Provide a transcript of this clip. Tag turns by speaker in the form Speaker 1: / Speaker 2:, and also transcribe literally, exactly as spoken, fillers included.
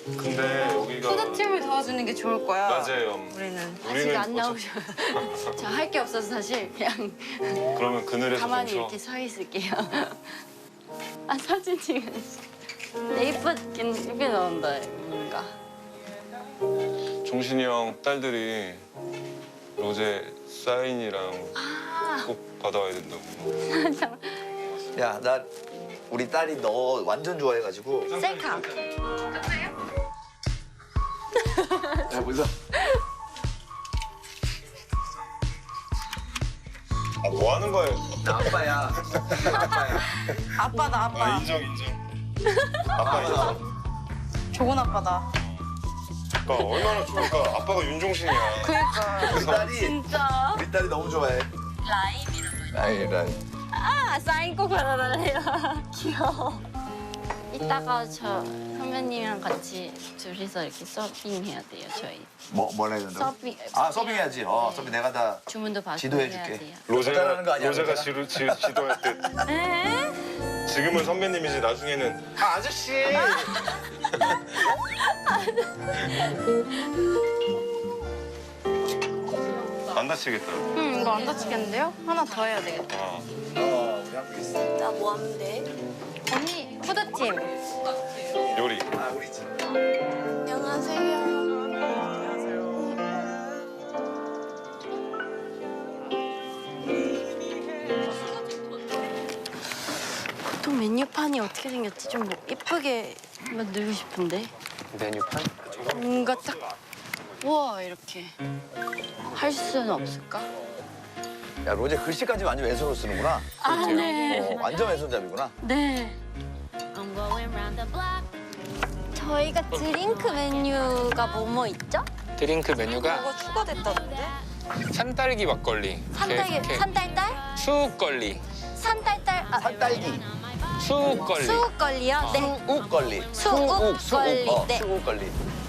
Speaker 1: 근데 여기가
Speaker 2: 푸드팀을 도와주는 게 좋을 거야.
Speaker 1: 맞아요.
Speaker 2: 우리는
Speaker 1: 우리는
Speaker 2: 아직 안
Speaker 1: 어차-
Speaker 2: 나오셔. 저 할 게 없어서 사실 그냥
Speaker 1: 그러면 그늘에서
Speaker 2: 가만히
Speaker 1: 좀
Speaker 2: 이렇게 서 있을게요. 아 사진 찍은. 네, 이쁘긴 이쁘게 나온다 뭔가.
Speaker 1: 종신이 형 딸들이 로제 사인이랑
Speaker 2: 아
Speaker 1: 꼭 받아와야 된다고.
Speaker 3: 야, 나 우리 딸이 너 완전 좋아해가지고.
Speaker 2: 셀카.
Speaker 3: 야, 보자.
Speaker 1: 아, 뭐 하는 거예요?
Speaker 3: 나 아빠야. 아빠야.
Speaker 2: 아빠다 아빠.
Speaker 1: 아, 인정, 인정. 아빠 인정.
Speaker 2: 좋은 아빠다.
Speaker 1: 아빠 얼마나 좋을까? 아빠가 윤종신이야.
Speaker 2: 그러니까.
Speaker 3: 우리 딸이,
Speaker 2: 진짜.
Speaker 3: 우리 딸이 너무 좋아해.
Speaker 2: 라임이란 말.
Speaker 3: 라임, 라임.
Speaker 2: 아 사인 꼭 받아달래요. 귀여워. 이따가 저 선배님이랑 같이 둘이서 이렇게 서빙해야 돼요 저희.
Speaker 3: 뭐, 뭘 해야 된다고?
Speaker 2: 서빙.
Speaker 3: 아, 서빙해야지. 어, 서빙 내가 다
Speaker 2: 주문도 받고
Speaker 3: 지도해줄게.
Speaker 2: 해야 돼요.
Speaker 1: 로제가,
Speaker 3: 잘하는 거 아니야,
Speaker 1: 로제가
Speaker 3: 로제가?
Speaker 1: 지루, 지, 지도할 때
Speaker 2: 에?
Speaker 1: 지금은 선배님이지 나중에는 아, 아저씨! 안 다치겠다.
Speaker 2: 응 이거 안 다치겠는데요? 하나 더 해야 되겠다.
Speaker 1: 어.
Speaker 3: 어, 우리 학교 있어.
Speaker 2: 나 뭐 하면 돼? 언니 푸드팀.
Speaker 1: 요리.
Speaker 3: 아, 우리 집.
Speaker 2: 안녕하세요. 보통 메뉴판이 어떻게 생겼지? 좀 뭐 예쁘게 만들고 싶은데.
Speaker 4: 메뉴판?
Speaker 2: 뭔가 딱 우와 이렇게 할 수는 없을까?
Speaker 3: 야, 로제 글씨까지 완전 왼손으로 쓰는구나.
Speaker 2: 아 네.
Speaker 3: 어, 완전 왼손잡이구나.
Speaker 2: 네. 저희가 드링크 메뉴가 뭐뭐 있죠?
Speaker 4: 드링크 메뉴가
Speaker 2: 뭐가 추가됐다던데?
Speaker 4: 산딸기 막걸리,
Speaker 2: 산딸기,
Speaker 4: 이렇게
Speaker 2: 산딸딸?
Speaker 4: 수육걸리,
Speaker 2: 산딸딸, 아,
Speaker 3: 산딸기.
Speaker 4: 수육걸리.
Speaker 2: 수육걸리요? 네.
Speaker 3: 수욱걸리.
Speaker 2: 수욱걸리.
Speaker 3: 수욱, 수욱. 어,
Speaker 2: 네.
Speaker 3: 수욱걸리.